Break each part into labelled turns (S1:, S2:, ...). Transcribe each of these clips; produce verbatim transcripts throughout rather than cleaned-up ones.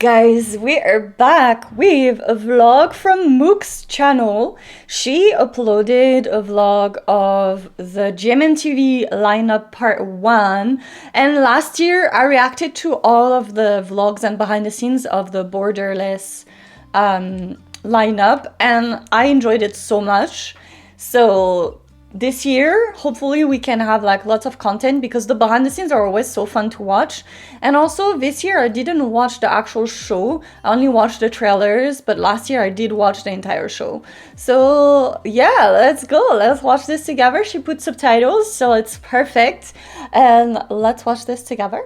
S1: Guys, we are back with a vlog from Mook's channel. She uploaded a vlog of the G M M T V lineup part one, and last year I reacted to all of the vlogs and behind the scenes of the Borderless um, lineup, and I enjoyed it so much. So this year, hopefully we can have like lots of content because the behind the scenes are always so fun to watch. And also this year I didn't watch the actual show, I only watched the trailers, but last year I did watch the entire show. So yeah, let's go, let's watch this together. She put subtitles, so it's perfect. And let's watch this together.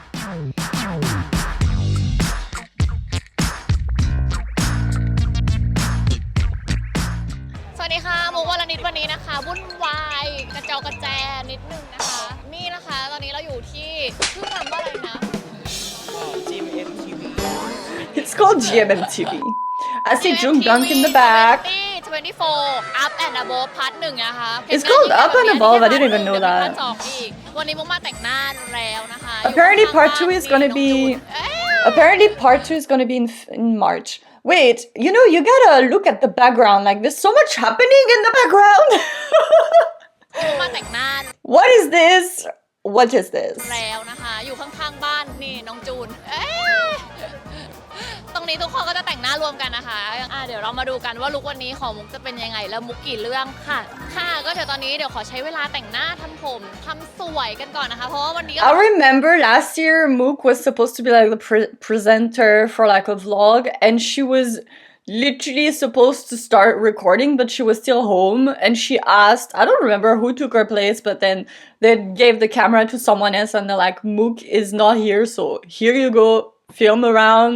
S2: สวัสดีค่ะมุกวรณิตวันนี้นะคะวุ่นวายกระเจากระแจนิดนึงนะคะนี่นะคะตอนนี้เราอยู่ที่ชื่อร้านว่าอะไรนะ
S3: จี เอ็ม เอ็ม ที วี
S1: It's called G M M T V. I see Jungkook in the back.
S2: twenty-four Up and Above Part หนึ่งนะคะ
S1: It's called Up and Above. I didn't even know that.
S2: จองอีกวันนี้มุกมาแต่งหน้าแล้วนะคะ
S1: Apparently part two is gonna be Apparently part two is gonna be in, in March. Wait, you know, you gotta look at the background. Like, there's so much happening in the background.
S2: มาแต่งหน้า
S1: What is this? What is this?
S2: แล้วนะคะอยู่ข้างๆบ้านนี่น้องจูนเอ๊ะตรงนี้ทุกคนก็จะแต่งหน้ารวมกันนะคะอ่ะเดี๋ยวเรามาดูกันว่าลุควันนี้ของมุกจะเป็นยังไงแล้วมุกกี่เรื่องค่ะค่ะก็เดี๋ยวตอนนี้เดี๋ยวขอใช้เวลาแต่งหน้าทำผมทำสวยกันก่อนนะคะเพราะว่าวันนี้
S1: I remember last year Mook was supposed to be like the pre presenter for like a vlog, and she was literally supposed to start recording, but she was still home, and she asked, I don't remember who took her place, but then they gave the camera to someone else and they're like, Mook is not here, so here you go, film around.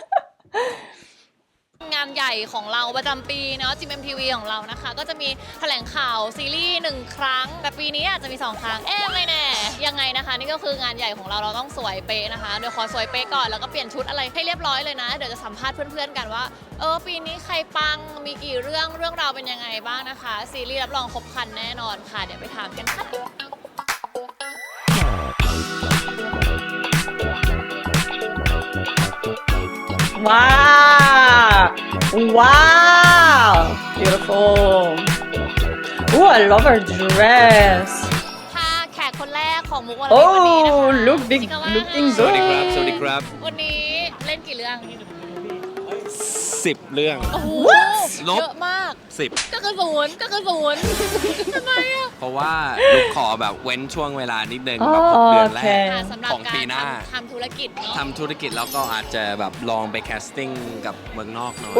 S2: งานใหญ่ของเราประจำปีเนาะ จี เอ็ม เอ็ม ที วี ของเรานะคะก็จะมีแถลงข่าวซีรีส์หนึ่งครั้งแต่ปีนี้อาจจะมีสองครั้งเอ๊ะไม่แน่ยังไงนะคะนี่ก็คืองานใหญ่ของเราเราต้องสวยเป๊ะนะคะเดี๋ยวขอสวยเป๊ะก่อนแล้วก็เปลี่ยนชุดอะไรให้เรียบร้อยเลยนะเดี๋ยวจะสัมภาษณ์เพื่อนๆกันว่าเออปีนี้ใครปังมีกี่เรื่องเรื่องราวเป็นยังไงบ้างนะคะซีรีส์รับรองครบครันแน่นอนค่ะเดี๋ยวไปถามกันค่ะ
S1: Wow! Wow! Beautiful. Oh, I love her dress.
S2: ค่ะแขกคนแรกของมุกวันนี้วันนี้นะคะ
S1: Oh, look big,
S2: ชิคาว่า
S1: looking
S3: สวัสดีครับ
S1: good.
S3: สวัสดีครับ
S2: วันนี้เล่นกี่เรื่อง
S3: สิบเรื่อง
S2: โอ้โห
S1: What?
S3: ลบ
S2: เยอะมาก
S3: สิบ
S2: ก็คือศูนย์ก็คือศูนย์ทำไมอ่ะ
S3: เพราะว่าลูกขอแบบเว้นช่วงเวลานิดนึงแบบหก
S1: Oh,
S3: เดือนแรก
S1: okay.
S2: ค่ะสำหรับ
S3: ของ
S2: กา
S3: ปี
S2: ร
S3: หน้า
S2: ทำทำธุรกิจเนาะ
S3: ทำธุรกิจแล้วก็อาจจะแบบลองไปแคสติ้งกับเมืองนอกหน่อย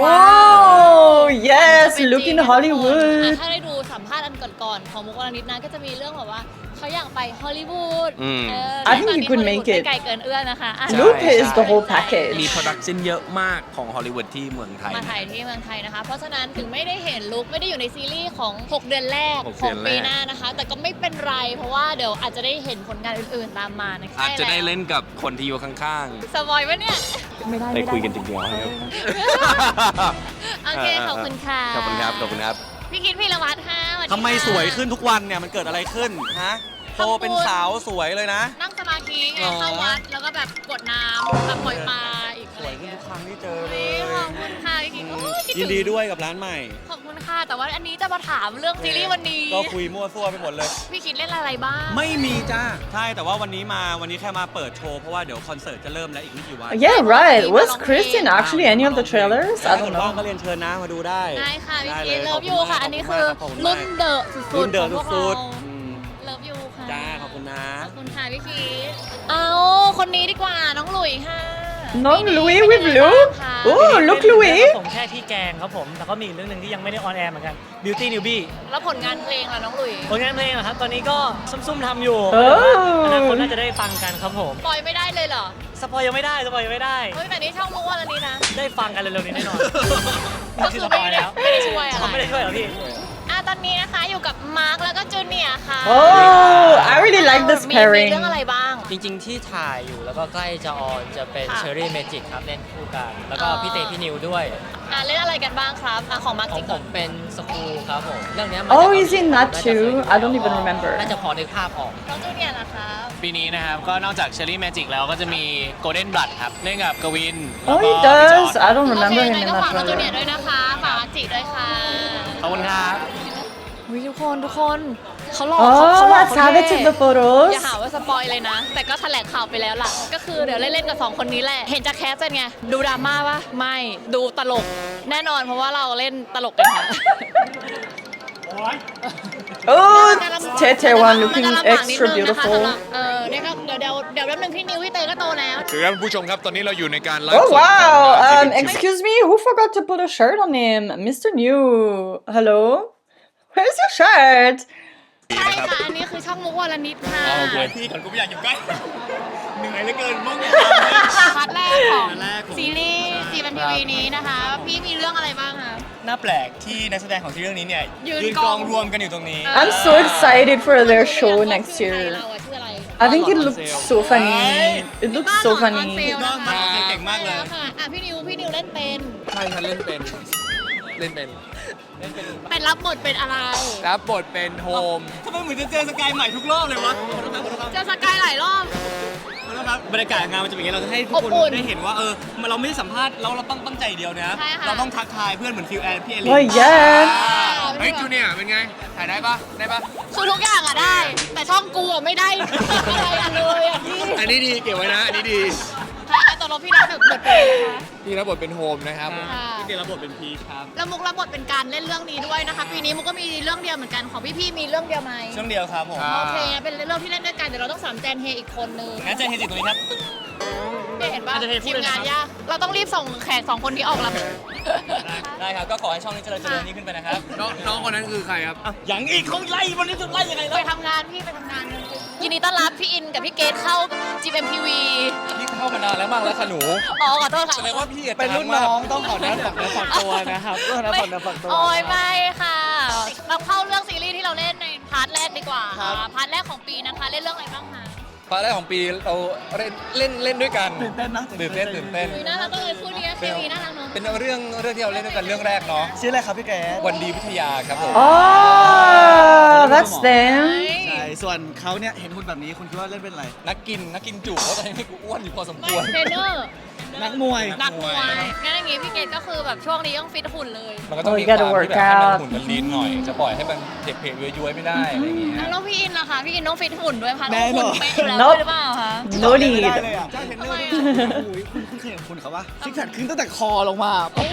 S1: Oh, yes,
S2: จะเป็น
S1: look
S2: จริ
S1: in
S2: งนะทุกคน
S1: Hollywood.
S2: อ่ะถ้าได้ดูสัมภาษณ์อันก่อนๆของมุกวรณิตนะก็จะมีเรื่องแบบว่าเขาอยากไปฮอลลีวูด
S3: อืม
S2: เออ
S1: I think
S2: ตอน
S1: you
S2: นี้
S1: could
S2: ฮอลลีวูด
S1: make it.
S2: ไม่ไกลเกินเอื้อนะคะอ่ะ
S1: Look is the whole
S2: ใช่
S1: package.
S3: มีโปรดักชันเยอะมากของฮอลลีวูดที่เมืองไทย
S2: มาถ่ายที่เมืองไทยนะคะ เพราะฉะนั้นถึงไม่ได้เห็นลุคไม่ได้อยู่ในซีรีส์ของ หก เดือนแรก
S3: หก
S2: ของ
S3: เดือนแรก
S2: ปีหน้านะคะ แต่ก็ไม่เป็นไร เพราะว่าเดี๋ยวอาจจะได้เห็นผลงานอื่นๆตามมานะคะ
S3: อาจจะได้เล่นกับคนที่อยู่ข้าง
S2: สปอยล์ปะเนี่ย
S3: ๆ ได้คุยกันจริงๆแล้วครับ
S2: โอเค ขอบคุณค่ะ
S3: ขอบคุณครับ ขอบคุณครับ
S2: พี่คิดพีรวัตรค่ะสวัสดี
S4: ทำไม
S2: ค่ะ
S4: สวยขึ้นทุกวันเนี่ยมันเกิดอะไรขึ้นฮะโตเป็นสาวสวยเลยนะ
S2: นั่งสมาธิไง
S4: อ๋อ
S2: เข้าวัดแล้วก็แบบกดน้ำแบบปล่อยปลาอีก
S4: ส
S2: อะไร
S4: วยขึ้น
S2: เงี้ย
S4: ทุกครั้งที่เจอเล
S2: เฮ้ย
S4: ย
S2: ขอบคุณค่ะพี่คิดโอ้ยคิด
S4: ยิ
S2: ถึ
S4: น
S2: ง
S4: ดีด้วยกับร้านใหม่
S2: ขอบคุณค่ะ แต่ว่าอันนี้จะมาถามเรื่องซีรีส์วันนี้
S4: ก็คุยมั่วซั่วไปหมดเลย
S2: พี่คิดเล่นอะไรบ้าง
S4: ไม่มีจ้าใช่แต่ว่าวันนี้มาวันนี้แค่มาเปิดโชว์เพราะว่าเดี๋ยวคอนเสิร์ตจะเริ่มแล้วอีกไม่กี่วัน
S1: Yeah, right. Was Kristen actually any of the trailers? I
S4: ถ้า
S1: don't
S4: เกิดว่างก็
S1: know.
S4: เรียนเชิญนะมาดูได้
S2: ได้ค่ะพี่
S4: ได้
S2: คิด
S4: ล
S2: เลิฟ
S4: ข
S2: ยู
S4: บณ
S2: ค่ะ
S4: มาก
S2: อันนี้
S4: ขบ
S2: คือ
S4: ณมาก
S2: รุ่นเดอะสุดๆ
S4: รุ่นเดิ
S2: ข
S4: ม
S2: องพวก
S4: สุ
S2: เรา
S4: ดๆอืม
S2: เลิฟยูค่ะ
S4: จ้าขอบคุณนะ
S2: ขอบคุณค่ะพี่คิดเอาคนนี้ดีกว่าน้องหลุยค่ะ
S1: น้อง
S2: ปี
S1: Louis
S2: เป็น
S1: with
S2: ยังไง
S1: Luke
S2: บ้างคะ
S1: Oh, look
S5: ครับ
S1: Louis.
S5: ผมแค่ที่แกงครับผมแต่ก็มีอีกเรื่องหนึ่งที่ยังไม่ได้ออนแอร์เหมือนกัน Beauty Newbie
S2: แล้วผลงานเพลงล่ะน้องหลุย
S5: ผลงานเพลงเหรอครับ ตอนนี้ก็ซุ่มๆทำอยู่
S1: เออ
S5: อนาคตน่าจะได้ฟังกันครับผม
S2: ปล่อยไม่ได้เลยเหรอ
S5: สปอยยังไม่ได้สปอยยังไม่ได้
S2: เฮ้ยแต่นี่ช่องมุกวันนี้นะ
S5: ได้ฟังกันเร็วๆนี้แน่นอน
S2: ก็คือไม่ได้ไม่ได้ช่วยอะไร
S5: เขาไม่ได้ช่วยเหรอพี่
S2: อ่ะตอนวันนี้นะคะอยู่กับมาร์คแล้วก็จูเนียร์ค่ะ
S1: Oh, I really like this
S2: มีมี
S1: pairing.
S2: เรื่องอะไรบ้าง
S5: จริงๆที่ถ่ายอยู่แล้วก็ใกล้จะออนจะเป็น
S2: ค่ะ
S5: เชอรี่เมจิกครับเล่นคู่กัน แล้วก็
S2: อ๋อ
S5: พี่เตพี่นิวด้วย
S2: อ่ะเล่นอะไรกันบ้างครับอ่ะของมาร์ค
S5: ขอ
S2: จิ
S5: ง
S2: ก
S5: ผ
S2: ก่อน
S5: มเป็นสกูครับผม เรื่องเนี้ยมา
S1: Oh,
S5: จาก
S1: he's in that
S5: น่าจะเคย
S1: too.
S5: ดู
S1: I don't even remember.
S5: น่าจะพอนึกภาพออก
S2: น้องจูเนียร์นะครับ
S6: ปีนี้นะครับ ก็นอกจากเชอรี่แมจิกแล้วก็จะมี Golden Blood ครับ เล่นกับกวิน
S1: Oh, he
S6: แล้วก็พี่จอ
S1: does.
S6: ร์จ
S1: I don't
S2: โอเค
S1: remember
S2: ยัง
S1: him
S2: ไง
S1: in
S2: ก็
S1: that
S2: ฝากน้องจูเนียร์
S1: trailer.
S2: ด้วยนะคะฝากมาร์คจิด้วยค่ะ
S6: ขอบคุณครับ
S2: วิทุกคนทุกคนเขาหลอกเขาเขา
S1: Oh,
S2: หลอก
S1: let's
S2: เขา
S1: have it
S2: แน่
S1: to the photos.
S2: อย่าหาว่าสปอยเลยนะ แต่ก็แถลงข่าวไปแล้วล่ะ ก็คือเดี๋ยวเล่นๆกับสองคนนี้แหละ เห็นจากแคสเป็นไง ดูดราม่าปะไม่ดูตลก แน่นอนเพราะว่าเราเล่นตลกกันค่ะ
S1: Oh, Tete one
S2: มัน
S1: looking
S2: จะลำบากนิด
S1: extra
S2: นึงนะคะสำห
S1: beautiful.
S2: รับเออเนี่ยก็เดี๋ยวเดี๋ยวเดี๋ยวแป๊บนึงพี่นิวพี่เตยก็โตแล้ว
S7: สวัสดีครับผู้ชมครับตอนนี้เราอยู่ในการไลฟ์
S1: Oh
S7: สดของ
S1: wow.
S7: งาน
S1: Um,
S7: ที่เป็น
S1: excuse me. Who forgot to put a shirt on him? Mister New. Hello. Where's your shirt?
S2: ใช่ค่ะ อันนี้คือช่องมุกวรนิดค่ะ
S4: พี่ก่อนกูไม่อยากอยู่ใกล้ เหนื่อยเหลือเกินมึง
S2: พาร์ทแรกของ
S4: พาร์ทแรกของ
S2: ซีรีส์จีเอ็มทีวีนี้นะคะ พี่มีเรื่องอะไรบ้างคะ
S4: น่าแปลกที่นักแสดงของที่เรื่องนี้เนี่ย
S2: ยืน
S4: ยืน
S2: ก
S4: ก
S2: อ
S4: อง งรวมกันอยู่ตรงนี้
S1: I'm so excited for their show next
S2: ชื่อ
S1: year.
S2: เราอะชื่ออะไร
S1: I think it looks so funny. It looks so
S2: บ้านหลอนออน
S1: funny.
S2: เซลนะคะ
S4: บ้านหลอนออนเซลเก่งมากเลย
S2: ค่ะอ่ะพี่นิวพี่นิวเล่นเป็น
S3: ใช่ครับเล่นเป็น เล่นเป็น
S2: เป็นรับบทเป็นอะไร
S3: รับบทเป็นโฮม
S4: ทำไมเหมือนจะเจอสกายใหม่ทุกรอบเลยวะขอโทษครับขอโทษครับ
S2: เจอสกายหลายรอบ
S4: ขอโทษครับบรรยากาศงานมันจะเป็นอย่างนี้เราจะให้ทุก
S2: อบ
S4: คน
S2: อุ่น
S4: ได้เห็นว่าเออมันเราไม่ได้สัมภาษณ์เราเราต้องตั้งใจเดียวนะ
S2: ใช่ค่ะ
S4: เราต้องทักทายเพื่อนเหมือนฟิลแอนพี่เอลิน
S1: Oh yeah.
S3: เฮ้ยจูเนียร์เป็นไง ถ่ายได้ปะได้ปะ
S2: คือทุกอย่างอะได้ แต่ช่องกูอะไม่ได้ อะไรอะเลยอะพี่
S3: อันนี้ดีเก็บไว้นะ อันนี้ดี
S2: ใช่ตอนเราพี่รับบทเป็นอะไรคะ
S3: ที่รับบทเป็นโฮมนะครับ
S2: ค่ะ
S4: พี่เตยรับบทเป็นพีชครับ
S2: แล้วมุกรับบทเป็นการเล่นเรื่องนี้ด้วยนะคะ ปีนี้มุกก็มีเรื่องเดียวเหมือนกันของพี่พี่ๆมีเรื่องเดียวไหม
S4: ช่วงเดียวครับผม
S3: อ่า
S2: โอเคงั้นเป็นเรื่องที่เล่นด้วยกันเดี๋ยวเราต้องสามแจนเฮอีกคนนึง
S4: งั้นเจอเฮจิตรงนี้ครับ
S2: เนี่ยเห็นป่ะ
S4: อาจจะเทพู
S2: ที
S4: ด
S2: ม
S4: เลยนะ
S2: งานยากเราต้องรีบส่งแขกสองคนนี้ออกแล้ว
S4: ได้ครับ ก็ขอให้ช่องนี้เจริญเจริญยิ่งขึ้นไปนะครับ
S3: น้องน้องคนนั้นคือใครครับ
S4: อ่ะอย่างอีกเขาไล่วันนี้จะไล่ยังไง
S2: ไป
S4: ล่ะ
S2: ทำงานพี่ไปทำงานยินดีต้อนรับพี่อินกับพี่เกดเข้า จี เอ็ม ที วี
S3: พี่เข้ามานานแล้วมั้งแล้วค่ะหนู
S2: อ๋อขอโทษค่ะ
S3: แสดงว่าพี่อะ
S4: เป็นรุ่น
S3: ดั
S4: น้อง
S3: มาก
S4: ต้องขอนั้นฝักเนื้อฝักตัวนะครับต้องนะฝักเนื้อฝักตัว
S2: โอ้ยไม่ค่ะ เราเข้าเรื่องซีรีส์ที่เราเล่นในพาร์ทแรกดีกว่าค่ะพาร์ทแรกของปีนะคะเล่นเรื่องอะไรบ้างคะ
S3: พาร์ทแรกของปีเราเล่นเล่นเล่นด้วยกันตื่นเต้นนะตื่นเต้นตื่นเต้น
S2: คุยน่ารักก็เลยคู่นี้เคมีน่ารักเนาะ
S3: เป็นเรื่องเรื่องที่เราเล่นด้วยกันเรื่องแรกเนาะ
S4: ชื่ออะไรครับพี่แก
S3: วันดีวิทยาครับผม
S1: Oh, that's them.
S4: ใช่ ส่วนเขาเนี่ยเห็นหุ่นแบบนี้คุณคิดว่าเล่นเป็นอะไร
S3: นักกินนักกินจุเพราะตอนนี้กูอ้วนอยู่พอสม
S2: ไม่
S3: ควร
S2: เทรนเนอร์
S4: นักมวย
S2: นักมวยงั้นอย่างงี้พี่เกดก็คือแบบช่วงนี้ต้องฟิตหุ่นเลย
S3: มันก็ต้อง
S1: Oh,
S3: มี
S1: you
S3: ความ
S1: gotta
S3: ที่
S1: work
S3: แบบให้มัน
S1: out.
S3: หุ่นมันลีนหน่อย จะปล่อยให้มันเด็กเพลย้วยๆไม่ได้อะไรอย่างเงี้ย
S2: แล้วพี่อินล่ะคะพี่อินต้องฟิตหุ่นด้วยค่ะ
S4: แน่
S2: ต้อง
S4: น
S2: หุ่
S4: อน
S2: นเป๊ะอยู่แล้ว
S1: Nope
S2: หรือเปล่าคะ
S1: No
S4: ไม่
S1: need.
S4: ได้เลยอ่ะเจ้าเทรนเนอร์นี่โอ้โหคุณคุณเคยเห็นคุณเขาปะซิกแพคขึ้นตั้งแต่คอลงมา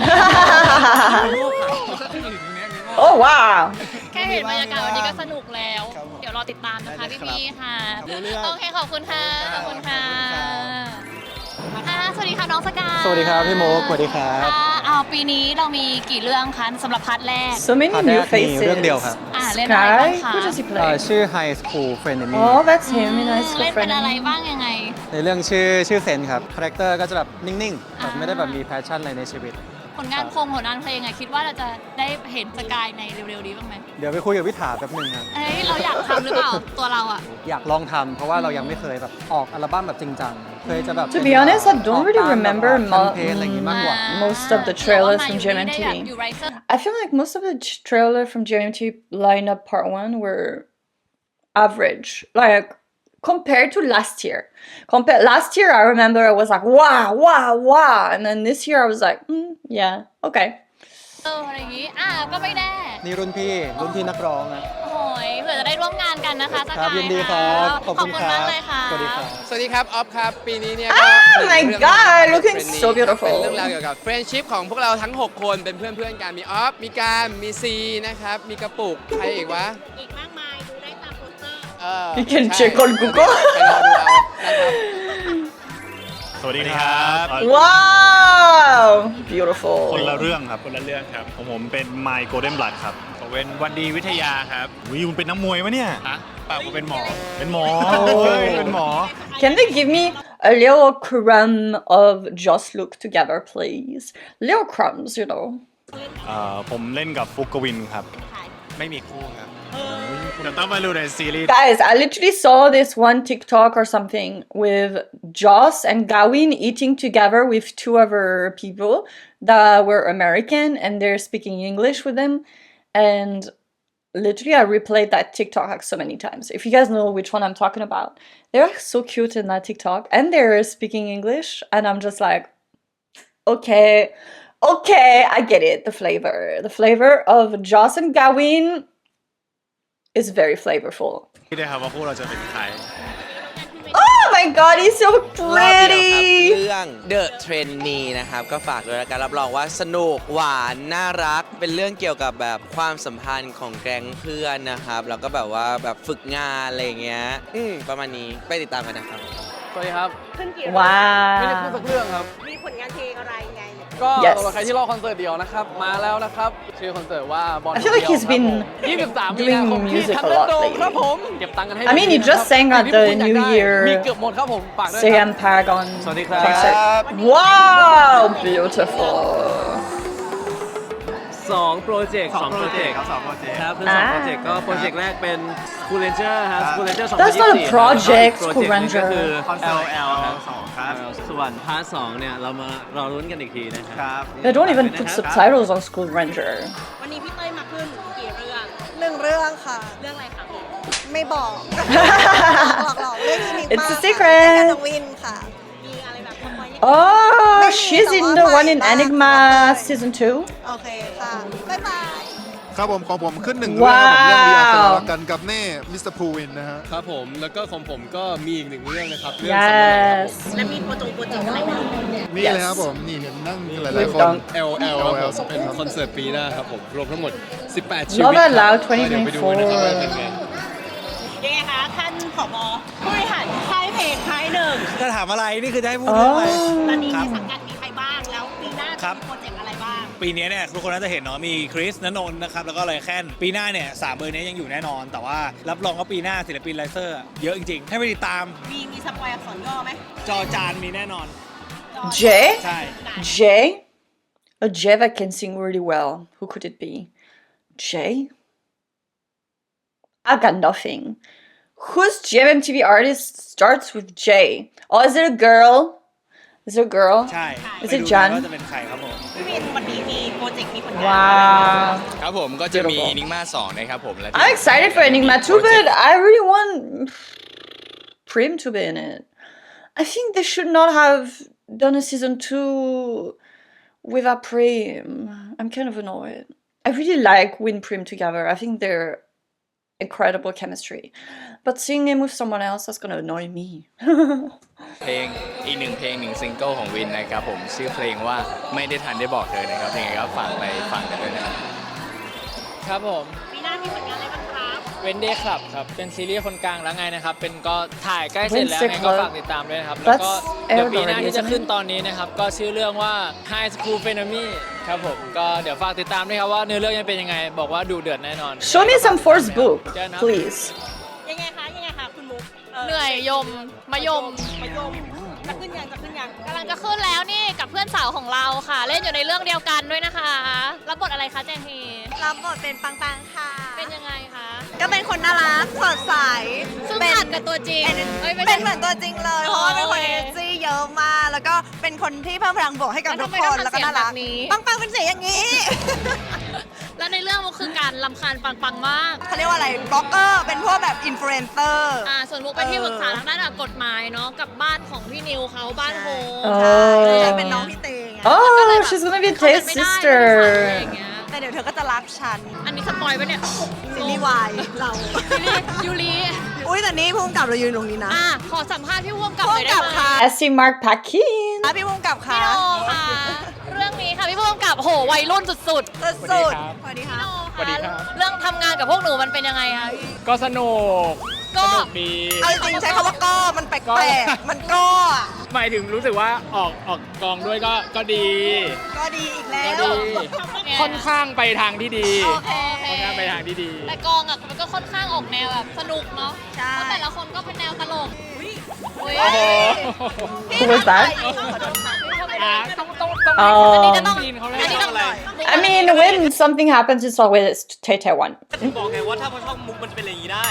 S1: Oh wow.
S2: แค่เห็นบรรยากาศวันนี้ก็สนุกแล้ว เดี๋ยวรอติดตามนะคะพี่ๆค่ะ โอเคขอบคุณค่ะ ขอบคุณค่ะค่ะสวัสดีค่ะน้องสกาย
S8: สวัสดีครับพี่โมกสวัสดีครับ
S2: ค่ะอ่าปีนี้เรามีกี่เรื่องคะสำหรับพาร์ทแรก
S1: So many
S8: พาร์ทแร
S1: new
S8: กมีเรื่องเดียวครับ
S1: faces.
S2: อ่าเล่นอะไรบ้าง
S1: Sky,
S2: คะ
S1: who does he
S8: เอ่อ
S1: play?
S8: ชื่อ High School Friend Enemy
S1: Oh, that's him in High School
S2: เล่นเป็นอะไร
S1: Friend.
S2: บ้างยังไง
S8: ในเรื่องชื่อชื่อเซนครับ คาแรคเตอร์ก็จะแบบนิ่งๆแบบไม่ได้แบบมีแพชชั่นอะไรในชีวิต
S2: ผลงานโครงผลงานเพลงอะคิดว่าเราจะได้เห็นสกายในเร็วๆนี้บ้างไหม
S8: เดี๋ยวไปคุยกับวิถาแป๊บหนึงครับ
S2: เอ้ยเราอยากทำหรือเปล่าตัวเราอะ
S8: อยากลองทำเพราะว่าเรายังไม่เคยแบบออกอัลบั้มแบบจริงจังเคยจะแบบ
S1: To be honest, I don't really remember
S8: แคมเปญอะไรอย่างงี้มากกว่า
S1: most of the trailers from
S2: หรือว่ามาอยู่
S1: GMMTV.
S2: ได้แบบอยู่ไรเซอร์
S1: I feel like most of the ch- trailer from GMMTV lineup part one were average. Like compared to last year. Compare last year, I remember I was like, wow, wow, wow. And then this year I was like, mm, yeah, okay.
S2: เอออะไรอย่างงี้ อ่าก็ไม่แน่
S8: นี่รุ่นพี่รุ่นพี่นักร้องนะ
S2: โอ้ยเผื่อจะได้ร่วมงานกันนะคะส
S8: ครั
S2: กา
S8: บ
S2: ย
S8: ยินดีครับขอบคุณค
S2: มา
S8: รั
S2: ก
S8: บ
S2: เลยค่ะ
S8: สวัสดีครับ
S3: สวัสดีครับ ออฟครับ ปีนี้เนี่ย
S1: Ah,
S3: ก็
S1: my
S3: เรื่อง
S1: God, looking
S3: Friendly
S1: so
S3: ครับ
S1: beautiful.
S3: เป็นเรื่องราวเกี่ยวกับเฟรนชิพของพวกเราทั้ง หก คนเป็นเพื่อนๆกันมีออฟ มีการ มีซีนะครับ มีกระปุก ใครอีกวะ
S2: อีกมากมายดูได้ตามโปสเตอร์
S3: เออ
S1: You can
S3: ใช่
S1: check on Google.
S3: ไปรอดูเอานะครับ
S9: สวัสดีครับเอ่อ
S1: Wow, beautiful.
S9: คนละเรื่องครับ คนละเรื่องครับของผมเป็น My Golden Blood ครับผมเป็นวันดีวิทยาครับวิวเป็นนักมวยวะเนี่ยฮะเปล่าผมเป็นหมอ เป็นหมอเฮ้ยเป็นหมอ
S1: Can they give me a little crumb of just look together, please? Little crumbs, you know.
S9: เอ่อผมเล่นกับฟุกกวินครับไม่มีคู่ครับเดี๋ยวต้องมาดูในซีรีส์
S1: Guys, I literally saw this one TikTok or something with Joss and Gawin eating together with two other people that were American and they're speaking English with them. And literally, I replayed that TikTok like so many times. If you guys know which one I'm talking about, they're like so cute in that TikTok and they're speaking English. And I'm just like, okay, okay, I get it. The flavor. The flavor of Joss and Gawin is very flavorful.
S9: ที่ได้ครับว่าคู่เราจะเป็นใคร
S1: Oh my god, he's so
S10: รอบเดียวครับ
S1: pretty.
S10: เรื่อง The Trainee นะครับก็ฝากด้วยแล้วกันรับรองว่าสนุกหวานน่ารักเป็นเรื่องเกี่ยวกับแบบความสัมพันธ์ของแก๊งเพื่อนนะครับแล้วก็แบบว่าแบบฝึกงานอะไรอย่างเงี้ยอืมประมาณนี้ไปติดตามกันนะครับ
S3: สวัสดีครับ
S11: ขึ้นกี่เรื่อง
S3: ไม่ได้พูด
S1: Wow.
S3: สักเรื่องครับ
S11: มีผลงานเพลงอะไรไง
S3: ก็
S1: Yes.
S3: สำหรับใครที่รอคอนเสิร์ตเดี่ยวนะครับ มาแล้วนะครับ ชื่อคอนเสิร์ตว่าบอล
S1: I feel like he's been
S3: ยี่สิบสามมี
S1: doing
S3: นาคมที่
S1: music
S3: ทัน
S1: a
S3: เดอ
S1: lot
S3: ร์โดม
S1: lately.
S3: ครับผม เก็บตังค์กันให้
S1: I mean, he
S3: ดีๆ
S1: just
S3: นะครับ
S1: sang at
S3: สิ่ง
S1: the
S3: ที่พวกคุณอยาก
S1: New
S3: ได้
S1: Year
S3: มีเกือบหมดครับผมฝากด้วยครับ
S1: Siam Paragon
S4: สวัสดีครับ
S1: concert. Wow, beautiful.
S6: สองโปรเจกต์
S9: สองโปรเจกต์ครับสองโปรเจกต์
S6: ครับคือสองโปรเจกต์ก็โปรเจกต์แรกเป็น School Ranger ครับ School Ranger
S1: That's not a
S6: สองพันยี่สิบสี่
S1: project,
S6: ครับ
S1: School
S6: โปรเจกต์หนึ่งก็
S1: Ranger
S6: คือ
S9: คอนเสิร์ต
S6: แอล แอล ครับ
S9: สองครับ
S6: ส่วนพาร์ทสองเนี่ยเรามารอรุ้นกันอีกทีนะครับ
S9: ครับ
S1: They don't even put subtitles on School Ranger.
S11: วันนี้พี่เต้ยมาขึ้นกี่เรื่อง
S12: หนึ่งเรื่องค่ะ
S11: เรื่องอะไรคะพี่
S12: ไม่บอกหลอกหลอกเรื่องนี้
S1: It's a
S12: ค่ะ
S1: secret
S12: เล่นกับน้องวินค่ะ
S11: มีอะไรแบบทำไม
S1: Oh, she's in the one in Enigma season two.
S12: โอเคค่ะ บ๊ายบาย
S7: ครับผมของผมขึ้นหนึ่งเรื่องครับผมเรื่อง
S1: ว้าว
S7: ดีอาร์สลับกันกับเน่มิสเตอร์พูวินนะฮะ
S3: ครับผม แล้วก็ของผมก็มีอีกหนึ่งเรื่องนะครับ เรื่องสำนักครับผม
S1: Yes.
S11: และมีโปรจงโปรเจกต์อะไรไหม
S7: นี่เลยครับผมนี่เห็นนั่งหลาย
S1: We've
S7: ๆคน
S1: done
S3: แอล แอล ครับผมเป็นคอนเสิร์ตปีหน้าครับผม รวมทั้งหมด สิบแปด ชีวิต
S1: Love
S3: ครับ
S1: Out Loud
S3: ก็เดี๋ยวไปดูนะครับว่าเป็นไง
S11: ยังไงคะท่านผบผู้บริหารค่ายเพลงค่ายหนึ่ง
S4: จะถามอะไร นี่คือจะให้พูดเรื่องอะไร
S11: ตอนนี้
S4: ครั
S11: ใน
S4: บ
S11: สังกัดมีใครบ้างแล้วปีหน้า
S4: ครั
S11: จะ
S4: บ
S11: มีโปรเจกต์อะไรบ้าง
S4: ปีนี้เนี่ยทุกคนน่าจะเห็นเนาะมีคริสณนนท์นะครับแล้วก็ไรแคนปีหน้าเนี่ยสามเบอร์นี้ยังอยู่แน่นอน แต่ว่ารับรองว่าปีหน้าศิลปินไลเซอร์เยอะจริงๆ ให้ไปติดตาม
S11: มีมีสปอยอักษรย่อไหม
S4: จอจานมีแน่นอน
S1: J?
S4: ใช่
S1: J? A J that can sing really well. Who could it be? J? I got nothing. Whose G M M T V artist starts with J? Oh, is it a girl? Is it a girl?
S4: ใช่
S1: Is
S4: ไป
S1: it
S4: ดู
S1: Jan?
S4: ว่าจะเป็นใครครับผม
S11: พี่วินวันนี้มีโปรเจกต์มีผลงานอะไรบ้าง
S1: Wow.
S6: ครับผมก็จะมี
S1: Beautiful.
S6: นิกมาสองนะครับผมและ
S1: I'm excited for Enigma too, but I really want Prim to be in it. I think they should not have done a season two without Prim. I'm kind of annoyed. I really like Win Prim together. I think they're incredible chemistry. But seeing him with someone else, that's gonna annoy me.
S6: เพลงอีกหนึ่งเพลงหนึ่งซิงเกิลของวินนะครับผมชื่อเพลงว่าไม่ได้ทันได้บอกเธอนะครับยังไงก็ฝากไปฟังกันด้วยนะครับ
S2: ครับผม
S11: ปีหน้ามีผลงานอะไรบ้างครับ
S2: เวนเดย์คลับครับ เป็นซีรีส์คนกลางแล้วไงนะครับ เป็นก็ถ่ายใกล้เสร็จแล้ว
S1: Wednesday
S2: ไงก็
S1: Club
S2: ฝากติดตามด้วยนะครับ แล้วก็
S1: That's
S2: เดี๋ยว
S1: aired
S2: ปีหน้า
S1: already,
S2: ที่จะ
S1: isn't
S2: ขึ้น
S1: it?
S2: ตอนนี้นะครับ ก็ชื่อเรื่องว่า High School p h e n o m y ครับผม ก็เดี๋ยวฝากติดตามด้วยครับว่าเนื้อเรื่องจะเป็นยังไง บอกว่าดูเดือดแน่นอน
S1: Show me some Force book,
S2: เจอนะ
S1: please.
S11: ยังไงคะยังไงคะคุณมุก
S2: เหนื่อยยมมายม
S11: มายมจะขึ้นยังจะขึ้นยัง
S2: กำลังจะขึ้นแล้วนี่กับเพื่อนสาวของเราค่ะ เล่นอยู่ในเรื่องเดียวกันด้วยนะคะรับบทอะไรคะแจงฮี
S12: รับบทเป็นปังปังค่ะ
S2: เป็นยังไงคะ
S12: ก็เป็นคนน่ารัก สดใส
S2: ซึ่ง
S12: เป็น
S2: ขัดกับตัวจริงเอ้ยไม่
S12: เป็
S2: ใช่
S12: นเหมือนตัวจริงเลย เพราะว่าเป็นคน
S2: โอเค
S12: เอเนจีเยอะมาก แล้วก็เป็นคนที่เพิ่มพลังบวกให้กับ
S2: แล้ว
S12: ทุ
S2: ทำ
S12: ก
S2: ไม
S12: ค
S2: ต้อน ง
S12: แล้วก็
S2: ทำเสียง
S12: น่ารัก
S2: แบบนี้
S12: ปังปังเป็นเสียงอย่างนี้
S2: แล้วในเรื่องมันคือการลำคาญปังๆมาก
S12: เขาเรียกว่าอะไร บล็อกเกอร์ เป็นพวกแบบอินฟลูเอนเซอร์
S2: อ่าส่วนมุกไปนที่ปรึกษาทางด้านกฎหมายเนาะกับบ้านของพี่นิวเขาบ้านโฮม
S1: Oh.
S12: ใช่เป็นน้องพี่เตงไง
S1: Oh, she's gonna be
S2: เข้า
S1: Tae's
S2: กันไม่ได้อะไร
S1: sister.
S2: อย่างเงี้ย
S12: แต่เดี๋ยวเธอก็จะรักฉัน
S2: อันนี้สปอยล์ปะเนี่ย
S12: ซีรีส์วายเรา
S2: ยูริยูริ
S12: อุ้ยแต่นี่พุ่งกับเรายืนตรงนี้นะ
S2: อ่ะขอสัมภาษณ์พี่ว่วงกับห
S12: พุ่
S2: น่
S12: ง
S2: อยได้
S12: กับ
S2: ไหม
S12: ค่ะ
S1: I see Mark Paquin.
S12: อ่ะพี่พุ่งกับ
S2: พี่
S12: ค่ะ
S2: โนค่ะ เรื่องนี้ค่ะพี่ว่วงกับโหวัยรุ่นสุดๆ
S12: สุดๆสวัสดีค่ะ
S2: สวัสดีครับเรื่องทำงานกับพวกหนูมันเป็นยังไงคะ
S6: ก็สนุก
S2: ก็
S6: สนุกดี
S12: เอาจริงๆใช้คำว่าก็มันแปลกๆ มันก็อะ
S6: หมายถึงรู้สึกว่าออกออกกองด้วยก็ก็ดี
S12: ก็ดีอีกแล้
S6: ก็
S12: ว
S6: ดี ค่อนข้างไปทางที่ดี
S2: โอเคโอเค
S6: ค่อนข้างไปทางที่ดี
S2: แต่กองอ่ะมันก็ค่อนข้างออกแนวแบบสนุกเนาะ
S12: ใช่
S2: เพราะแต่ละคนก็เป็นแนวตลกอุ้ย
S6: โอ้โห
S1: Who was that?
S2: ขอโทษค่ะ
S6: อ่ะต้องต้อง
S1: Oh.
S2: อันนี้จะต้องอันนี้ต้อง
S1: I mean, when something happens, it's always Tay Tay one.
S5: ถึงบอกไงว่าถ้ามันช่องมุกมันจะเป็นอย่างนี้ได้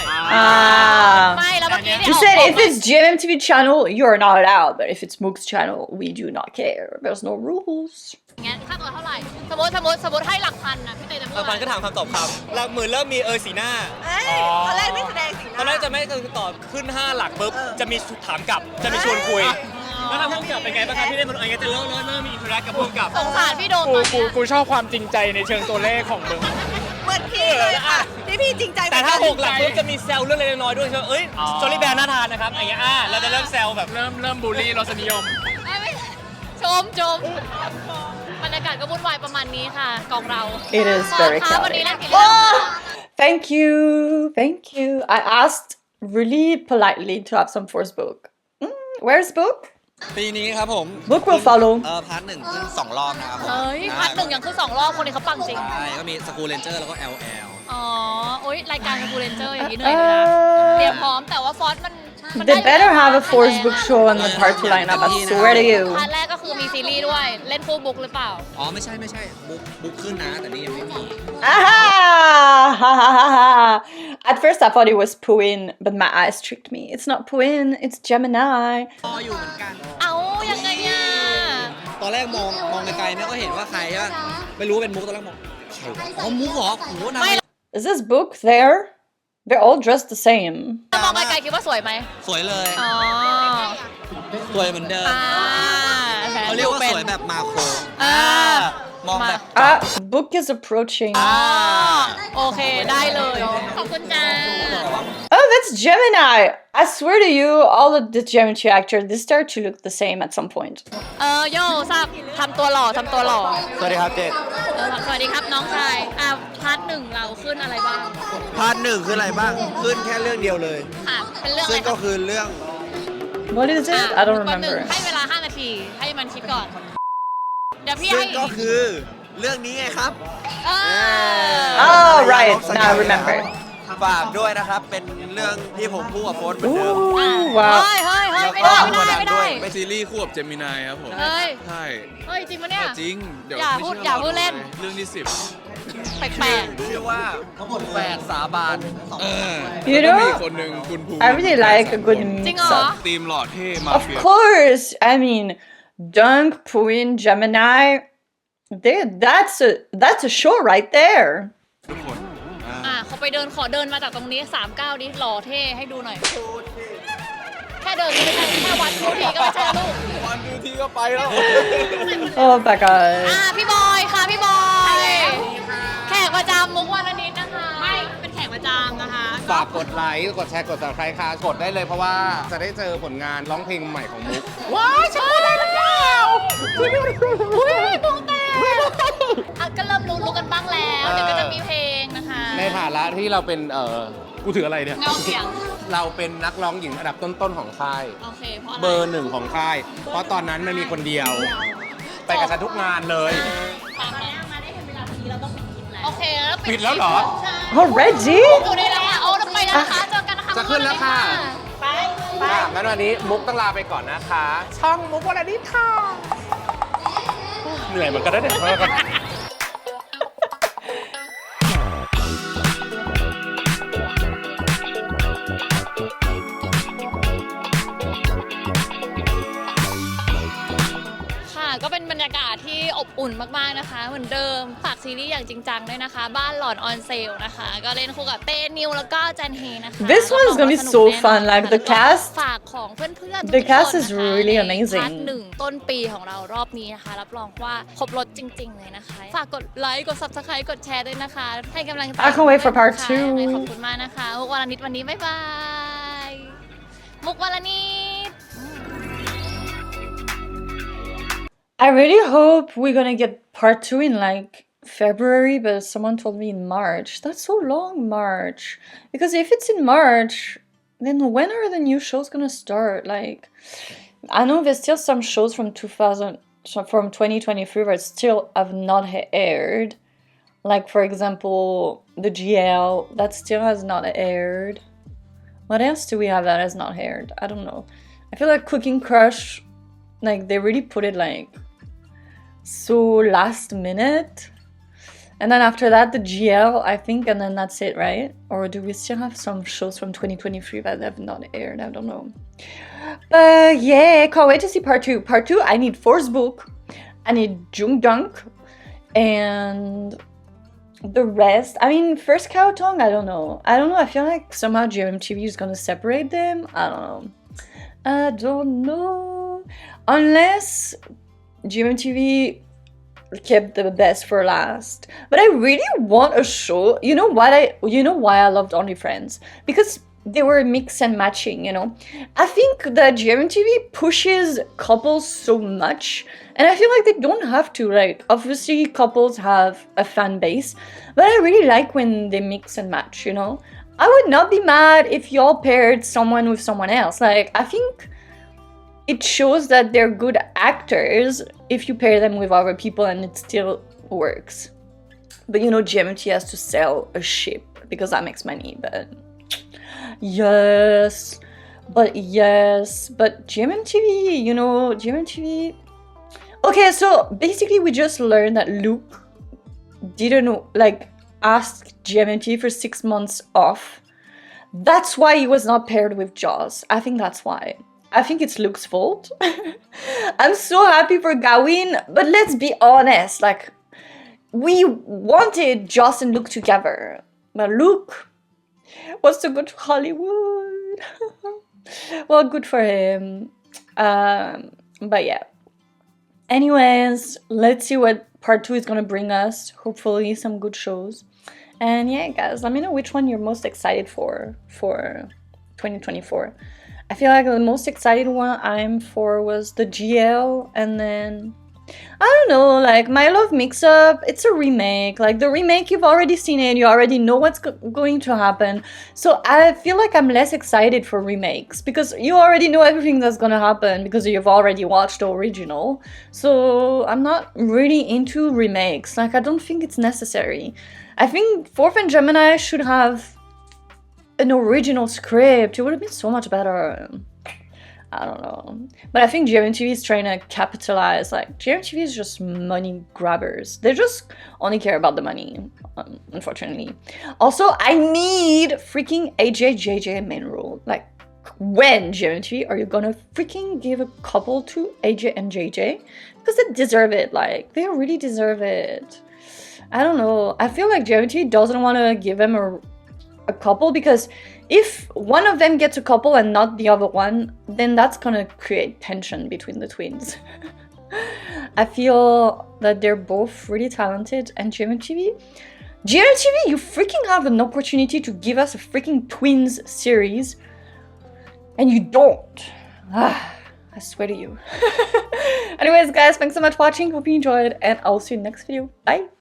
S1: Ah.
S2: ไม่แล้วเมื่อกี้เนี่ย
S1: You said if it's G M M T V channel, you're not allowed. But if it's Mook's channel, we do not care. There's no rules.
S2: งั้นค่าตัวเท่าไหร่สมมติสมมติสมมติให้หลักพันนะพี่เตยจะพูด
S5: บางพันก็ถามคำตอบคำหลักหมื่นเริ่มมีเออสีหน้า
S12: เอ้ยตอนแรกไม่แสดงสีห
S5: ตอนแร
S12: น้าก
S5: จะไม่คือตอบขึ้น ห้า หลักปุ๊บจะมีถามกลับจะมีชวนคุยแล้วทางผู้กำกับเป็นไงบ้างครับที่ได้มันอะไรเงี้ยจะเริ่มเริ่มเริ่มมีอินเทอร์แอคกับผู้กำกับ
S2: สงสารพี่โดม
S3: กู
S2: ตอน
S3: กู
S2: เนี้ย
S3: กูชอบความจริงใจในเชิงตัวเลขของมึง
S12: เหมือนพี่เลยค่ะพี่พี่จริงใจ
S5: แต่ถ้า
S12: เหมื
S5: ห
S12: อน
S5: กหลักปุ๊บจะมีแซวเรื่องเล็กๆน้อยๆด้วยใช่ไหมเอ้ยสตอรี่แบร์น่าทานนะครับอย่างเงี้ยอ่าเราจะเริ่มแซวแบบ
S3: เริ่มเริ่มบูลลี่รสนิยม
S2: ไม่ไม่ชมชมบรรยากาศก็วุ่นวายประมาณนี้ค่ะกองเรา
S1: It is very
S2: ค่ะวันนี้
S1: chaotic.
S2: เล่นกี่เรื่องคะ
S1: Thank you, thank you. I asked really politely to have some force book. Mm, where's book?
S8: ปีนี้ครับผม
S1: Book will follow.
S8: เออพาร์ทหนึ่งขึ้นสองรอบนะครับผม
S2: เฮ้ยพัดหนึ่งยังคือสองรอบคนนี้เขาปังจริง
S8: ใช่ก็มีสกูเลนเจอร์แล้วก็ แอล แอล
S2: อ๋อ โอ๊ย รายการกูเรนเจอร์อย่างนี้เหนื่อยเลยนะ เตรียมพร้อมแต่ว่าฟอนต์มันมันได้
S1: They better have a force book show on the part two lineup. I swear to you.
S2: พาร์ทแรกก็คือมีซีรีส์ด้วย เล่นฟูลบุ๊กหรือเปล่า
S8: อ๋อ ไม่ใช่ไม่ใช่บุ๊กบุ๊กขึ้นนะ แต่นี่ยังไม่มี
S1: Aha! Ha, ha, ha, ha. At first, I thought it was Puin, but my eyes tricked me. It's not Puin, it's Gemini.
S8: รออยู่เหมือนกัน
S2: เอ้า ยังไงอ่ะ
S8: ตอนแรกมองมองไกลๆเนี่ยก็เห็นว่าใครใช่ปะไม่รู้ว่าเป็นมุกตอนแรกมองใครวะอ๋อมุกเหรอโอ้โหนาง
S1: Is this book there? They're all dressed the same.
S2: ถ้ามองไกลๆคิดว่าสวยไหม
S8: สวยเลย
S2: อ๋อ
S8: สวยเหมือนเดิม
S2: อ่าแผน
S8: เขาเรียกว่า
S2: ป็น
S8: สวยแบบมาโคร
S2: อ่า
S8: มองแบบ
S1: Ah, book is approaching.
S2: อ่าโอเค ได้เลย ขอบคุณจ้า
S1: Oh, that's Gemini. I swear to you, all of the Gemini actors, they start to look the same at some point.
S2: เออโยทราบทำตัวหล่อทำตัวหล่อ
S8: สวัสดีครับเจษ
S2: เออสวัสดีครับน้องชาย อ่ะพาร์ทหนึ่งเราขึ้นอะไรบ้าง
S10: พาร์ทหนึ่งคืออะไรบ้าง ขึ้นแค่เรื่องเดียวเลย
S2: ค่ะ เป็นเรื่องอะ
S10: ซึ่
S2: ไรง ค
S10: ก็
S2: รับ
S10: คือเรื่อง
S1: What is it? I don't
S2: ก่อนหนึ่ง
S1: remember.
S2: ให้เวลาห้านาที ให้มันคิดก่อน เดี๋ยวพี่
S10: ซึ่
S2: ให้
S10: งก็คือเรื่องนี้ไงครับ
S2: เออ
S1: Oh, right. Now I remember.
S10: ฝากด้วยนะครับ เป็นเรื่องที่ผมพูดกับโฟนเหมือนเดิม
S1: Ooh,
S2: เฮ้
S1: wow.
S2: ยเฮ้ยเฮ้ยไม่ได้ไม่ได้ไม่ได้
S3: เป็นซีรีส์คู่กับเจมินายครับผม
S2: เฮ้ย
S3: ใช่
S2: เฮ้ย จริงปะเนี่ย
S3: จริง เดี๋ยว
S2: อย่า
S3: ไม่
S2: พูด
S3: เชื่
S2: อย่า
S3: ร
S2: พูดเล่น
S3: เรื่องที่สิบ
S2: แปลก
S10: ชื่อว่าแฝดสาบาน
S3: เออ
S1: You
S3: แล้วก็มี
S1: know,
S3: คนหนึ่งคุณภู
S1: I really like a good
S2: ๆจริง
S1: mix
S2: เหรอ
S1: up.
S3: ทีมหล่อเท่มา
S1: Of
S3: เฟีย
S1: course. I mean, Dunk, Puin, Gemini. They, that's a that's a show right there.
S3: ทุกคนอ่า
S2: อ่ะเขาไปเดินขอเดินมาจากตรงนี้สามเก้าดิหล่อเท่ให้ดูหน่อย แค่เดินก็ไม่ใช่แค่วัดทุกทีก็ไม่ใช่ลูก
S3: วันดูทีก็ไปแล้ว
S1: Oh my god.
S2: อ่ะพี่บอยค่ะพี่บอย แขกประจำมุกวันนิดนะคะ ไม่ เป็นแขกประจำนะคะ
S13: ฝากกดไลค์ กดแชร์ กด subscribe ค่ะ กดได้เลยเพราะว่าจะได้เจอผลงานร้องเพลงใหม่ของมุก
S2: ว้ายฉันพูดได้หรือเปล่าอุ้ยพุงแตกอ่ะก็เริ่มรู้รู้กันบ้างแล้ว เดี๋ยวก็จะมีเพลงนะคะ
S13: ในฐานะที่เราเป็น เอ่อ กูถืออะไรเนี่ย
S2: เงาเสียง
S13: เราเป็นนักร้องหญิงอันดับต้นๆของค่าย
S2: โอเค เพราะอะไร
S13: เบอร์หนึ่งของค่าย เพราะตอนนั้นมันมีคนเดียว ไปกับฉันทุกงานเลย
S2: ตามนั้นมาได้เห็นเวลาทีเราต้องปิดคลิปแล้ว โอเค แล้ว
S13: ปิดแล้วเหรอ
S2: ใช่
S1: Already?
S2: อยู่ในแล้วค่ะเอาไปแล้วนะคะ เจอกันนะคะ
S13: จะขึ้นแล้วค่ะ
S2: ไป ไป
S13: อ่ะงั้นวันนี้มุกต้องลาไปก่อนนะคะ ช่องมุกวันนี้ค่ะ เหนื่อยเหมือนกันนะเนี่ย
S2: ค่ะ ก็เป็นบรรยากาศที่อบอุ่นมากๆนะคะ เหมือนเดิม ฝากซีรีส์อย่างจริงจังด้วยนะคะ บ้านหลอนออนเซลนะคะ ก็เล่นคู่กับเต้นิวแล้วก็จันเฮนะคะ
S1: This one's gonna be so fun. Like the cast,
S2: ฝากของเพื่อนๆ
S1: the
S2: ทุกๆ
S1: cast
S2: คน
S1: is
S2: นะคะ
S1: really
S2: ใน
S1: amazing
S2: พาร์ทหนึ่งต้นปีของเรารอบนี้นะคะ รับรองว่าครบรถจริง ๆ เลยนะคะ ฝากกดไลค์ กด subscribe กดแชร์ด้วยนะคะ ให้กำลังใจ
S1: I can't wait for part
S2: ค่ะ
S1: two
S2: ยังไงขอบคุณมากนะคะ มุกวลนิดวันนี้บ๊ายบาย มุกวลนิด
S1: I really hope we're gonna get part two in like February, but someone told me in March. That's so long, March. Because if it's in March, then when are the new shows gonna start? Like, I know there's still some shows from two thousand, so from twenty twenty-three that still have not ha- aired. Like, for example, the G L, that still has not aired. What else do we have that has not aired? I don't know. I feel like Cooking Crush, like, they really put it like so last minute. And then after that, the G L, I think, and then that's it, right? Or do we still have some shows from twenty twenty-three that have not aired? I don't know. But yeah, can't wait to see part two. Part two, I need Force Book, I need Jungdunk, and the rest. I mean, first Cow Tongue, I don't know. I don't know. I feel like somehow G M T V is gonna separate them. I don't know. I don't know. Unless G M T V kept the best for last. But I really want a show. You know what I you know why I loved Only Friends? Because they were mix and matching, you know. I think that G M T V pushes couples so much, and I feel like they don't have to. Like, obviously couples have a fan base, but I really like when they mix and match, you know. I would not be mad if y'all paired someone with someone else. Like, I think it shows that they're good actors if you pair them with other people and it still works. But you know, G M T has to sell a ship because that makes money, but yes, but yes, but G M T V, you know, G M T V. Okay, so basically we just learned that Luke didn't, like, ask G M T V for six months off. That's why he was not paired with Jaws. I think that's why. I think it's Luke's fault. I'm so happy for Gawin, but let's be honest, like, we wanted Joss and Luke together, but Luke wants to go to Hollywood. Well, good for him. Um, but yeah. Anyways, let's see what part two is gonna bring us. Hopefully some good shows. And yeah, guys, let me know which one you're most excited for for twenty twenty-four. I feel like the most excited one I'm for was the G L, and then I don't know, like My Love Mix-Up, it's a remake. Like, the remake, you've already seen it, you already know what's go going to happen. So I feel like I'm less excited for remakes because you already know everything that's gonna happen because you've already watched the original. So I'm not really into remakes. Like, I don't think it's necessary. I think Fourth and Gemini should have an original script. It would have been so much better. I don't know. But I think G M T V is trying to capitalize. Like, G M T V is just money grabbers. They just only care about the money, um, unfortunately. Also, I need freaking A J J J main role. Like, when, G M T V, are you gonna freaking give a couple to A J and J J? Because they deserve it. Like, they really deserve it. I don't know. I feel like G M T V doesn't want to give them a, a couple because if one of them gets a couple and not the other one, then that's gonna create tension between the twins. I feel that they're both really talented, and G M T V, G M T V, you freaking have an opportunity to give us a freaking twins series, and you don't. Ah, I swear to you. Anyways, guys, thanks so much for watching. Hope you enjoyed, and I'll see you in the next video. Bye.